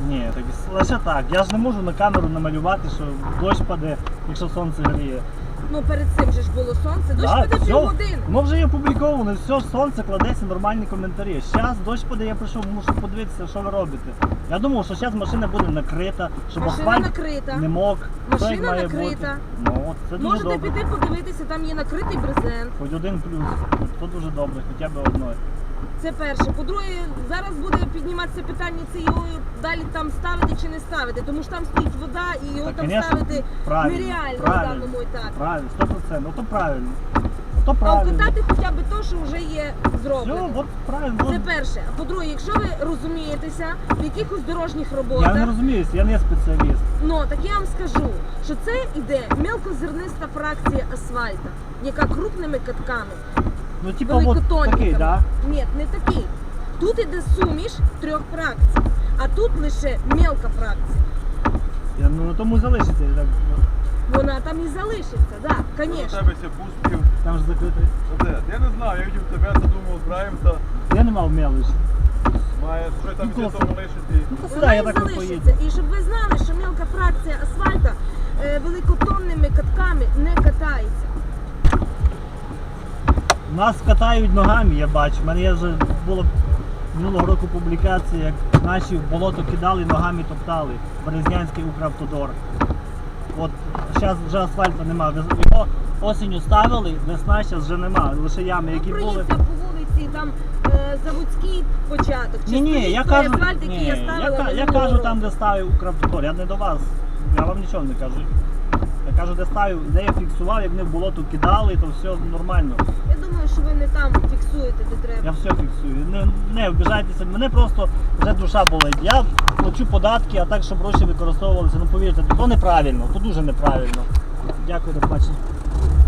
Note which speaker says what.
Speaker 1: Ні, так лише так. Я ж не можу на камеру намалювати, що дощ паде, якщо сонце гріє.
Speaker 2: Ну перед цим же ж було сонце, дощ
Speaker 1: Так,
Speaker 2: піде
Speaker 1: все,
Speaker 2: півгодини.
Speaker 1: воно вже є опубліковано, все, сонце кладеться, нормальні коментарі. Зараз дощ паде, я прийшов, мушу подивитися, що ви робите. Я думав, що зараз машина буде накрита, щоб
Speaker 2: Машина
Speaker 1: асфальт
Speaker 2: накрита.
Speaker 1: не мок. Все як
Speaker 2: Машина
Speaker 1: має
Speaker 2: накрита.
Speaker 1: бути. Ну, от, це дуже
Speaker 2: Можете
Speaker 1: добре.
Speaker 2: піти подивитися, там є накритий брезент.
Speaker 1: Хоч один плюс, то дуже добре, хоча б одної.
Speaker 2: Це перше. По-друге, зараз буде підніматися питання, це його далі там ставити чи не ставити, тому що там стоїть вода і його
Speaker 1: Так,
Speaker 2: там
Speaker 1: конечно,
Speaker 2: ставити
Speaker 1: правильно,
Speaker 2: нереально
Speaker 1: правильно.
Speaker 2: на даному етапі.
Speaker 1: Правильно, 100%, ну то правильно. То
Speaker 2: А
Speaker 1: правильно.
Speaker 2: вкатати хоча б то, що вже є
Speaker 1: Все,
Speaker 2: зроблено.
Speaker 1: от правильно.
Speaker 2: Це
Speaker 1: от.
Speaker 2: перше. А по-друге, якщо ви розумієтеся в якихось дорожніх
Speaker 1: Я
Speaker 2: роботах,
Speaker 1: не розуміюся, я не спеціаліст.
Speaker 2: ну так я вам скажу, що це іде мелкозерниста фракція асфальта, яка крупними катками,
Speaker 1: Ну, типа, от
Speaker 2: великотонниками.
Speaker 1: такий, да?
Speaker 2: Ні, не такий. Тут іде суміш 3 фракцій, а тут лише мелка фракція.
Speaker 1: Я, ну, тому залишиться. Так.
Speaker 2: Вона там і залишиться, так,
Speaker 3: У
Speaker 2: звісно.
Speaker 3: тебе ся пустив.
Speaker 1: Там ж закритий.
Speaker 3: Оце, я не знаю, я видів тебе, то думав, збираємося.
Speaker 1: Я не мав мелиш.
Speaker 3: Має що там
Speaker 1: Ну,
Speaker 3: десь тому лишити.
Speaker 1: Ну, то сюди,
Speaker 2: Вона
Speaker 1: я
Speaker 2: і
Speaker 1: так от
Speaker 2: залишиться.
Speaker 1: поїду.
Speaker 2: І щоб ви знали, що мелка фракція асфальта великотонними катками не катається.
Speaker 1: Нас катають ногами, я бачу. У мене є вже було минулого року публікація, як наші в болото кидали, ногами топтали. Березнянський Укравтодор. От зараз вже асфальту немає. Його осінню ставили, весна зараз вже немає. Лише ями, які були.
Speaker 2: Проїдься по вулиці, там заводський початок. Чи
Speaker 1: Ні,
Speaker 2: стоїть
Speaker 1: я
Speaker 2: той
Speaker 1: кажу,
Speaker 2: асфальт, який я ставила
Speaker 1: я
Speaker 2: минулого
Speaker 1: кажу
Speaker 2: року?
Speaker 1: там, де ставив Укравтодор. Я не до вас. Я вам нічого не кажу. Я кажу, де ставив, де я фіксував, як вони в болото кидали, то все нормально.
Speaker 2: Я думаю, що ви не там фіксуєте, де треба.
Speaker 1: Я все фіксую. Не обіжайтеся, мене просто вже душа болить. Я плачу податки, а так, щоб гроші використовувалися, ну повірте, то неправильно, то дуже неправильно. Дякую, до побачення.